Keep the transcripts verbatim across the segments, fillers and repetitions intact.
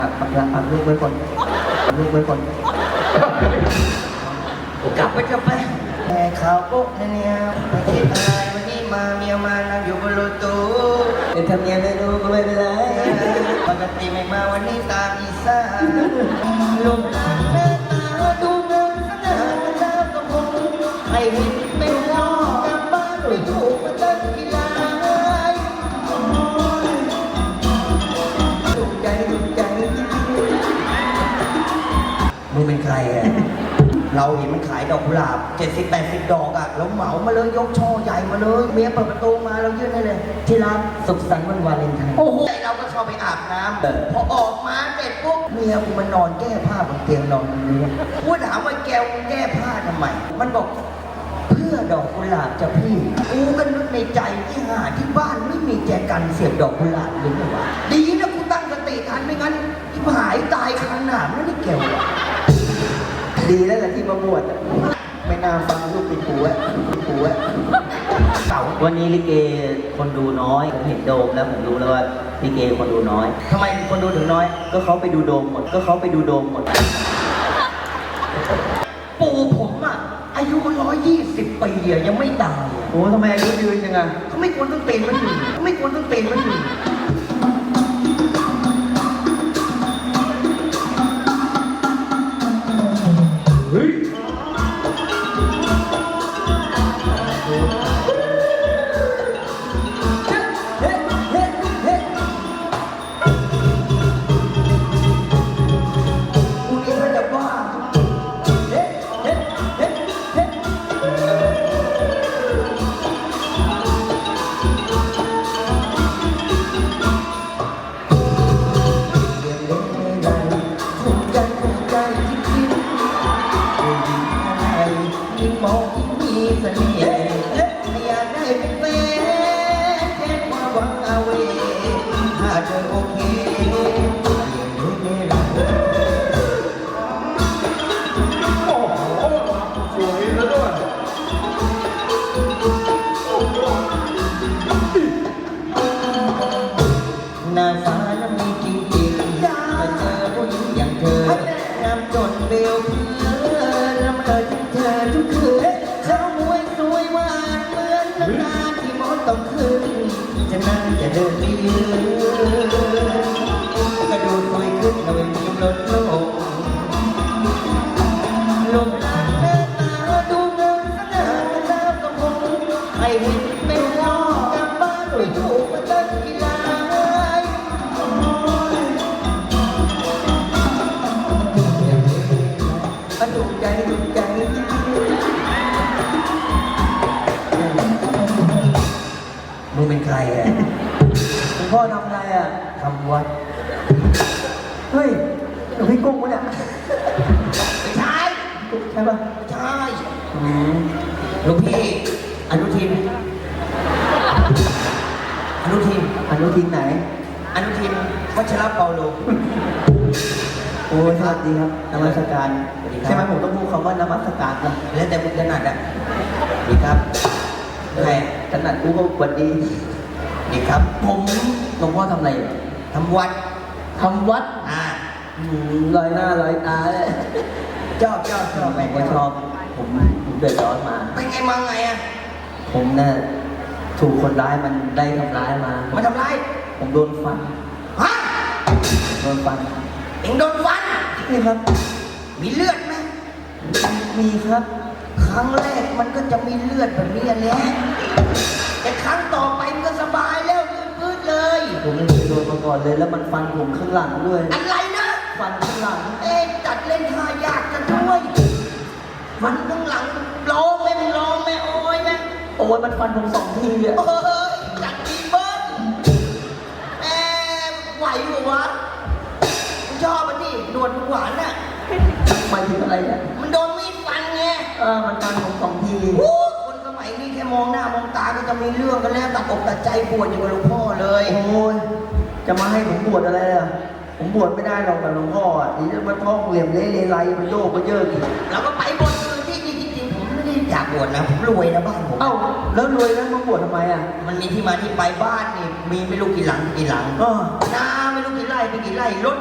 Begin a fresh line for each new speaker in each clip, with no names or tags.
ปักหลักปักลูกไว้ก่อนปักลูกไว้ก่อนกลับไปกลับไปแม่ข่าวปุ๊บเนี่ยไม่คิดอะไรวันนี้มาเมียมานั่งอยู่บนรถตู้เป็นทำเนียมไม่รู้ก็ไม่เป็นไรปกติไม่มาวันนี้ตามอีสานลูกหลานหน้าตาดูเงินขนาดแล้วก็คงให้เห็นเป็นล้อกลับบ้านไม่ถูกมาตั้งกีฬาถูกใจถูกใจมึงเป็นใครอ่ะเราเห็นมันขายดอกกุหลาบเจ็ดสิบแปดสิบดอกอ่ะเราเหมามาเลยยกช่อใหญ่มาเลยเมียเปิดประตูมาเรายื่นให้เลยที่ร้านสุขสันต์วันวาเลนไทน์โอ้โหเราก็ชอบไปอาบน้ำพอออกมาเสร็จปุ๊บเมียกูมันนอนแก้ผ้าบนเตียงนอนนี้กูถามว่าแกวแก้ผ้าทำไมมันบอกเพื่อดอกกุหลาบจะพี่กูก็นึกในใจที่หาที่บ้านไม่มีแจกันเสียบดอกกุหลาบหรือเปล่าดีนะกูตั้งสติทันไม่งั้นที่หายตายคาหนามนั่นนี่แกวอะดีแล้วแหละที่มาบวชไม่น่าฟังลูกปิดหูอะปิดหูอะเก่าวันนี้ลิเกคนดูน้อยผมเห็นโดมแล้วผมรู้แล้วว่าลิเกคนดูน้อยทำไมคนดูถึงน้อยก็เขาไปดูโดมหมดก็เขาไปดูโดมหมดปู่ผมอะอายุร้อยยี่สิบปีอะยังไม่ตายโอ้ทำไมอายุยืนยังไงเขาไม่ควรต้องเต็มมันอยู่เขาไม่ควรต้องเต็มมันอยู่เฮ้ยหน้าฟ้านั้นมีจริงๆมาเจอผู้หญิงอย่างเธองามจนเบลเพื่อนละเมอถึงเธอทุกคืนเจ้ามวยสวยหวานเหมือนน้ำตาที่มดต้องขึ้นจะนั่งจะเดินไปยืนกระดูกสวยขึ้นเราเป็นยิ้มลดโลกลมหลานหน้าตาดูเงินขนาดแล้วก็คงให้เห็นเป็นล้อกลับบ้านไม่ถูกมาตั้งกีฬาถูกใจถูกใจมึงเป็นใครอ่ะคุณพ่อทำอะไรอ่ะทำวัดเฮ้ยหลวงพี่กุ้งวะเนี่ยไม่ใช่ใช่ปะใช่หลวงพี่อนุทินอนุทินอนุทินไหนอนุทินวัชรเปาโลโอ้ยสวัสดีครับนมัสการใช่ไหมผมต้องพูดคำว่านมัสการนะแล้วแต่มึงถนัดอ่ะดีครับใครถนัดกูก็สวัสดีดีครับผมหลวงพ่อทำอะไรทำวัดทำวัดอ่าลอยหน้าลอยตาเลยชอบชอบชอบผมก็ชอบผมผมเดือดร้อนมาเป็นไงมาไงอ่ะผมเนี่ยถูกคนร้ายมันได้ทำร้ายมามาทำร้ายผมโดนฟันฮะโดนฟันเอ็งโดนฟันนี่ครับมีเลือดไหมมีครับครั้งแรกมันก็จะมีเลือดแบบนี้แหละแต่ครั้งต่อไปมันก็สบายแล้วยืดเลยผมไม่เคยโดนมาก่อนเลยแล้วมันฟันผมข้างหลังด้วยอะไรนะฟันข้างหลังเอ๊ะจัดเล่นท่ายากกันด้วยฟันข้างหลังร้องไหมมึงร้องไหมโอ้ยไหมโอ้ยมันฟันผมสองทีอ่ะเฮ้ยจัดดีเบิ้ลแอบไหวหัวะชอบมันดิหนวดหวานน่ะหมายถึงอะไรเนี่ยมันโดนมีดฟันไงเออมันฟันผมสองทีคนสมัยนี้แค่มองหน้ามองตาก็จะมีเรื่องกันแล้วตัดอกตัดใจปวดอยู่กับหลวงพ่อเลยโอ้ยจะมาให้ผมบวชอะไรอ่ะผมบวชไม่ได้หรอกกับหลวงพ่ออ่ะนี่มันท้องเหลี่ยมเละเลไลมันโยกมันเยอะกี่เราก็ไปบวชอื่นที่จริงๆผมไม่ได้อยากบวชนะผมรวยนะบ้านผมเอ้าแล้วรวยแล้วมาบวชทำไมอ่ะมันมีที่มาที่ไปบ้านนี่มีไม่รู้กี่หลังกี่หลังก็นาไม่รู้กี่ไร่ไปกี่ไร่รถไม่รู้กี่คัน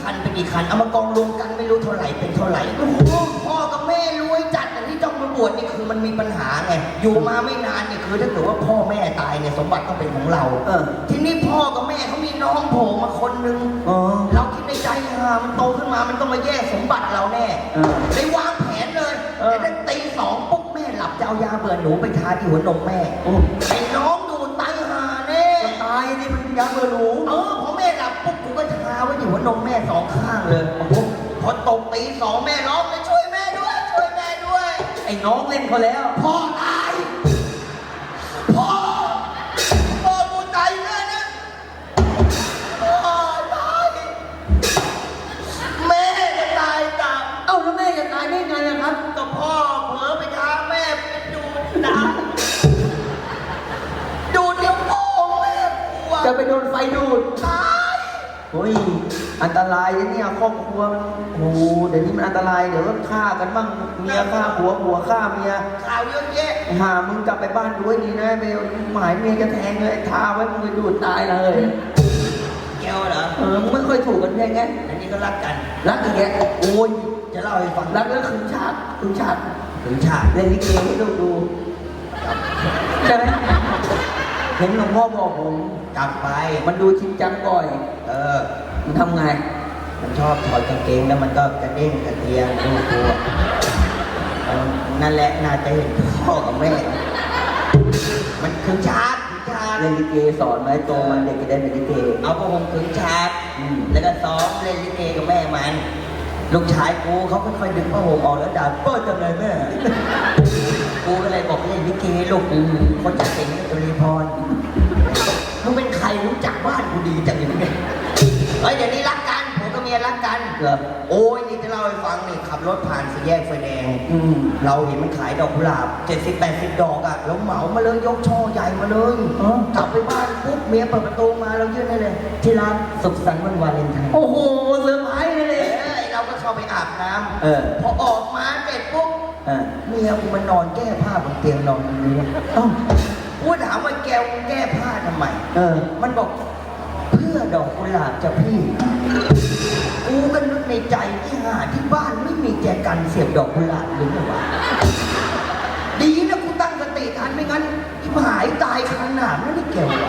คันเป็นกี่คันเอามากองรวมกันไม่รู้เท่าไหร่เป็นเท่าไหร่โอ้โหพ่อกับแม่รวยจัดแต่ที่ต้องมาบวชนี่คือมันมีปัญหาไงอยู่มาไม่นานเนี่ยคือถ้าเกิดว่าพ่อแม่ตายเนี่ยสมบัติต้องเป็นของเราเออทีนี้พ่อกับแม่เขามีน้องโผล่มาคนนึงอ๋อเราคิดในใจฮะมันโตขึ้นมามันต้องมาแย่งสมบัติเราแน่เลยวางแผนเลยแต่ถ้าตีสองปุ๊บแม่หลับจะเอายาเบื่อหนูไปทาที่หัวนมแม่ไอ้น้องดูตายหาแน่ตายนี่มันยาเบื่อหนูเออพอแม่หลับปุ๊บกูก็ทาไว้ที่หัวนมแม่สองข้างเลยพอตกตีสองแม่ร้องเลยช่วยแม่ด้วยช่วยแม่ด้วยไอ้น้องเล่นเขาแล้วพ่อตายพ่อพ่อกูตายเลยนะพ่อตายแม่จะตายตามเอ้าแล้วแม่จะตายได้ไงอะครับก็พ่อเผลอไปท้าแม่ไปดูดน้ำดูดเดี๋ยวพ่อแม่กลัวจะไปโดนไฟดูดตายโอ้ยอันตรายเนี่ยครอบครัวมันโอ้โหเดี๋ยวนี้มันอันตรายเดี๋ยวฆ่ากันบ้างเมียฆ่าผัวผัวฆ่าเมียข่าวเยอะแยะหามึงกลับไปบ้านด้วยดีนะไปหมายเมียจะแทงเลยท้าไว้มึงไปดูดตายเลยแก้วเหรอเออมึงไม่ค่อยถูกกันแค่ไงอันนี้ก็รักกันรักอย่างเงี้ยโอ้ยจะเล่าให้ฟังรักแล้วขึงฉากขึงฉากขึงฉากเล่นลิเกให้ดูดูใช่ไหมเห็นหลวงพ่อบอกผมกลับไปมันดูจริงจังบ่อยเออมันทำไงมันชอบถอดกางเกงแล้วมันก็กระเด้งกระเทียงดูตัวนั่นแหละน่าจะเห็นพ่อกับแม่มันขึงฉากขึงฉากเล่นลิเกสอนไหมโตมันเด็กจะได้เป็นลิเกเอาพวกผมขึงฉากแล้วก็ซ้อมเล่นลิเกกับแม่มันลูกชายกูเขาค่อยๆดึงผ้าห่มออกแล้วด่าเปิดจังเลยแม่กูก็เลยบอกเล่นลิเกลูกคนจะเก่งนี่ตุลีพรมึงเป็นใครรู้จักบ้านกูดีจังอย่างนี้เฮ้ยเดี๋ยวนี้รักกันผมกับเมียรักกันเหรอโอ้ยนี่จะเล่าให้ฟังนี่ขับรถผ่านสี่แยกไฟแดงเราเห็นมันขายดอกกุหลาบเจ็ดสิบแปดสิบดอกอ่ะแล้วเหมามาเลยยกช่อใหญ่มาเลยกลับไปบ้านปุ๊บเมียเปิดประตูมาเรายื่นให้เลยที่ร้านสุขสันต์วันวาเลนไทน์โอ้โหเซอร์ไพรส์เลยเราก็เข้าไปอาบน้ำเออพอออกมาเสร็จปุ๊บเมียกูมันนอนแก้ผ้าบนเตียงนอนนี้อ้าวกูถามว่าแกแก้ผ้าทำไมเออมันบอกเพื่อดอกกุหลาบจะพี่กูก็นึกในใจที่หาที่บ้านไม่มีแจกันเสียบดอกกุหลาบหรือไงวะดีนะกูตั้งสติทันไม่งั้นที่หายตายขนาดนั้นนี่แกวะ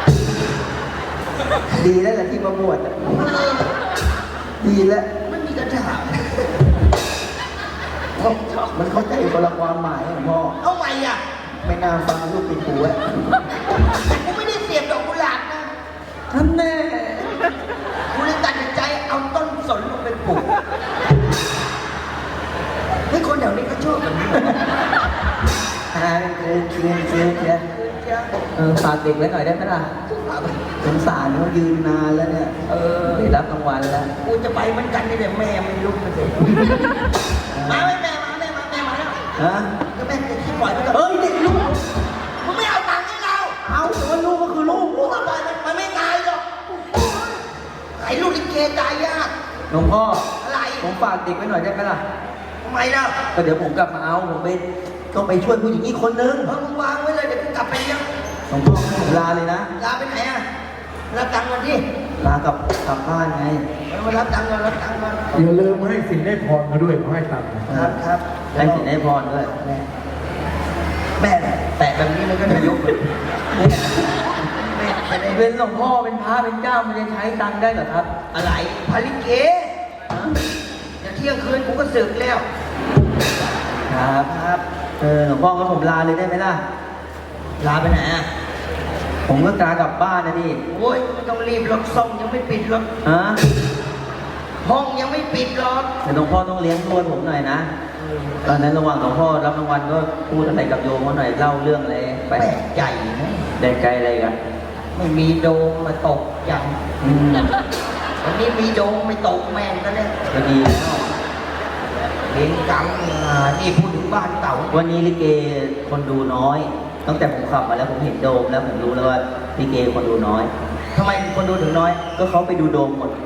ดีแล้วแหละที่มาบวชดีแล้วมันมีกระถางมันเข้าใจคนละความหมายของพ่อเอาไงอ่ะไม่น่าฟังลูกติดหูอ่ะกูไม่ได้เสียบดอกกุหลาบนะท่านแน่กูเลยตัดสินใจเอาต้นสนลงไปปลูกเฮ้ยคนแถวนี้ก็ชอบแบบนี้อ่าเชียร์เชียร์เชียร์เชียร์เออฝากเด็กไว้หน่อยได้ไหมล่ะสงสารเขายืนนานแล้วเนี่ยเออได้รับรางวัลแล้วกูจะไปเหมือนกันนี่แต่แม่ไม่ลุกมาเสร็จมาไม่แม่มาแม่มาแม่มาแล้วฮะก็แม่จะคิดปล่อยไปก่อนเฮ้ยเด็กลูกมึงไม่เอาตังค์ให้เราเอาแต่ว่าลูกก็คือลูกลูกก็ปล่อยมันมันไม่ตายหรอกไอ้ลูกลิเกตายยากหลวงพ่ออะไรผมฝากเด็กไว้หน่อยได้ไหมล่ะทำไมล่ะก็เดี๋ยวผมกลับมาเอาผมไปต้องไปช่วยผู้หญิงอีกคนนึงเออมึงวางไว้เลยเดี๋ยวกูกลับไปเลี้ยงหลวงพ่อผมลาเลยนะลาไปไหนอ่ะรับตังค์มาดิลากับกลับบ้านไงมารับตังค์มารับตังค์มา
อย่าลืมให้สินได้พรมาด้วยเขาให้ตังค์
ครับครับให้สินได้พรด้วยแม่แม่แตะแบบนี้มันก็จะยกแม่แม่เป็นหลวงพ่อเป็นพระเป็นเจ้ามันจะใช้ตังค์ได้เหรอครับอะไรพาลิเกจะเที่ยงคืนกูก็สึกแล้วครับครับเออหลวงพ่อก็ผมลาเลยได้ไหมล่ะลาไปไหนอ่ะผมก็กลากลับบ้านนะนี่โอ้ยไม่ต้องรีบรถส่งยังไม่ปิดรถฮะห้องยังไม่ปิดรถแต่หลวงพ่อต้องเลี้ยงตัวผมหน่อยนะตอนนั้นระหว่างหลวงพ่อรับรางวัลก็พูดอะไรกับโยมเขาหน่อยเล่าเรื่องอะไรไปใหญ่นะแดงไกลอะไรกันไม่มีโดมมาตกอย่างวันนี้มีโดมไม่ตกแม่งก็เลยก็ดีแล้วเลี้ยงกังนี่พูดถึงบ้านเก่าวันนี้ลิเกคนดูน้อยตั้งแต่ผมขับมาแล้วผมเห็นโดมแล้วผมรู้แล้วว่าลิเกคนดูน้อยทำไมคนดูถึงน้อยก็เขาไปดูโดมหมด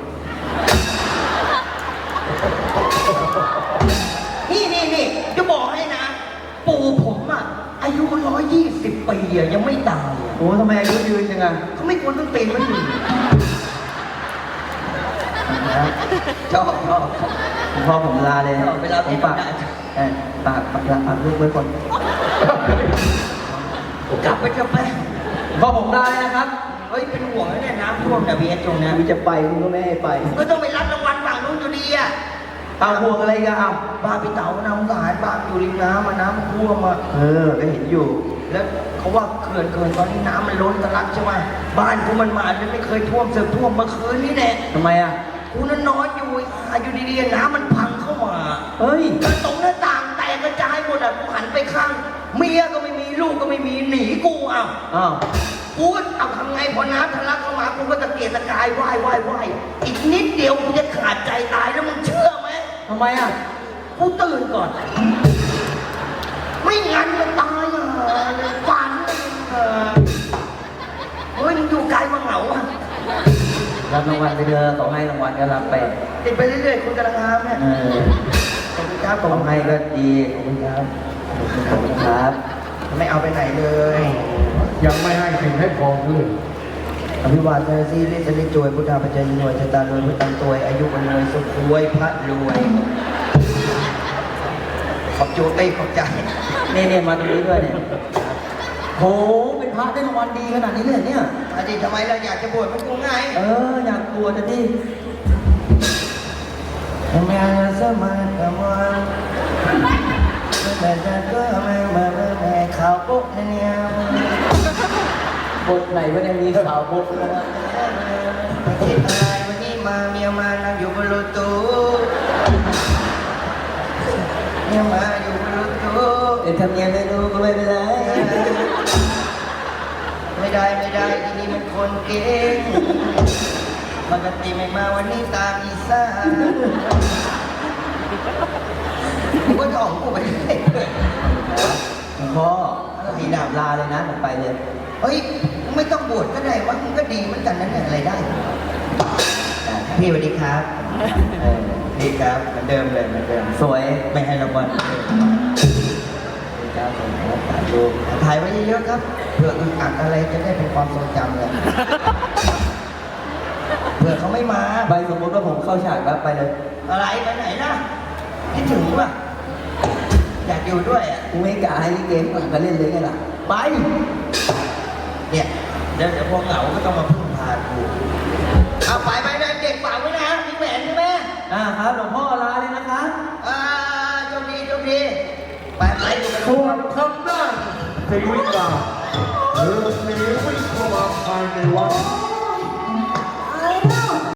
นี่นี่นี่จะบอกให้นะปู่ผมอ่ะอายุร้อยยี่สิบปีอ่ะยังไม่ตายโอ้ทำไมอายุยืนจังอ่ะเขาไม่ควรต้องเป็นมันอยู่
ชอบชอบ
คุณพ่อผมลาเลย
เวลา
ผมฝากเออฝากฝากลาฝากลูกไว้ก่อน
กลับไปเถอะไป
พ่อผมลาเลยนะครับ
เฮ้ยเป็นห่วงนะเนี่ยน้ำท่วมแต่เบียร์ตรงนี้
มึงจะไปมึงก็ไม่ให้ไป
ก็ต้องไปรับรางวัลฝั่งนู้นอยู่ดีอ่ะ
เอาห่วงอะไรกันเอา
บ้านพี่เต๋าน้ำสายบ้านอยู่ริมน้ำมาน้ำมันท่วมมา
เออก็เห็นอยู่
แล้วเขาว่าเขื่อนเขื่อนตอนนี้น้ำมันล้นทะลักใช่ไหมบ้านกูมันมาเนี่ยไม่เคยท่วมเสือกท่วมเมื่อคืนนี้แน่
ทำไมอ่ะ
กูนั่นนอนอยู่อาอยู่ดีๆน้ำมันพังเข้ามา
เฮ้ย
แล้วตรงหน้าต่างแตกกระจายหมดอ่ะกูหันไปข้างเมียก็ไม่มีลูกก็ไม่มีหนีกูอ่ะ
อ้าว
กูก็เอาทำไงพอน้ำทะลักเข้ามากูก็ตะเกียกตะกายว่ายว่ายว่ายอีกนิดเดียวกูจะขาดใจตายแล้วมึงเชื่อไหม
ทำไมอ่ะ
กูตื่นก่อน ไม่งั้นมันตายอ่ะฝันอ่ะเฮ้ยมึงอยู่ไกลมาเหงาอ่ะ
รับรางวัลไปเถอะขอให้รางวัลก็รับไป
ติดไปเรื่อยๆคุณกำลังงามเนี่ย
เออ
ขอบคุณครับผ
ขอ
ม
ให้ก็ดีขอบคุณครับขอบคุณครับ
ไม่เอาไปไหนเลย
ยังไม่ให้สิ่งให้พรเขาเลย
อภิวาทนาซีริสริจวยพุทธาปัจจยหน่วยชะตาลวยพุทธันตวยอายุวันรวยสุขรวยพระรวย ขอบจูเต้ยขอบใจ
เนี่ยเนี่ยมาตรงนี้ด้วยเนี่ยโหเป็นพระได้รางวัลดีขนาดนี้เลยเหรอเนี่ย
อาทิตย์ทำไมเราอยากจะบวชมันกูไง
เอออยากบวชจะดิ
ทำไมสมัยกำลังแต่จะก็ไม่มาแม่ข่าวปุ๊บเนี่ย
บทไหนวะเนี่ยมีข่าวบทแล้วนะ
ไม่คิดอะไรวันนี้มาเมียมานั่งอยู่บนรถตู้เมียมาอยู่บนรถตู้
เดี๋ยวทำเนียนไม่รู้ก็ไม่เป็นไร
ไม่ได้ไม่ได้ที่นี่มันคนเก่งปกติไม่มาวันนี้ตามอีซ่ากูก็จะออกกูไปเรื่อย
พ่อ
อะไร
มี
นะ
ดาบลาเลยนะผมไปเลย
เฮ้ยไม่ต้องบวชก็ได้วะมันก็ดีเหมือนกันนั่นแหละอะไรได้พี่สวัสดีครับเออพี่ครับเหมือนเดิมเลยเหมือนเดิม
สวย
ไม่ให้รางวัลเลยครับผมครับดูถ่ายไว้เยอะๆครับเผื่ออึดอัดอะไรจะได้เป็นความทรงจำเลยเผื่อเขาไม่มา
ใบสมมติว่าผมเข้าฉากแล้วไปเลย
อะไรไปไหนล่ะคิดถึงป่ะอยากอยู่ด้วยอ่ะ
กูไม่กล้าให้ลิเกมก่อนก็เล่นเลยไงล่ะไป
เนี่ยเดี๋ยวเดี๋ยวพอเหงาก็ต้องมาพึ่งพากูเอาไปไปนะเด็กฝากไว้นะมีแหวนใช่ไหม
อ่าครับหลวงพ่อลาเลยนะคะ
อ่าโชคดีโชคดีไปไปดูกัน
ส่วนทางด้านศรีวิกาเธอหนีวิ่งเข้ามาภายในวัด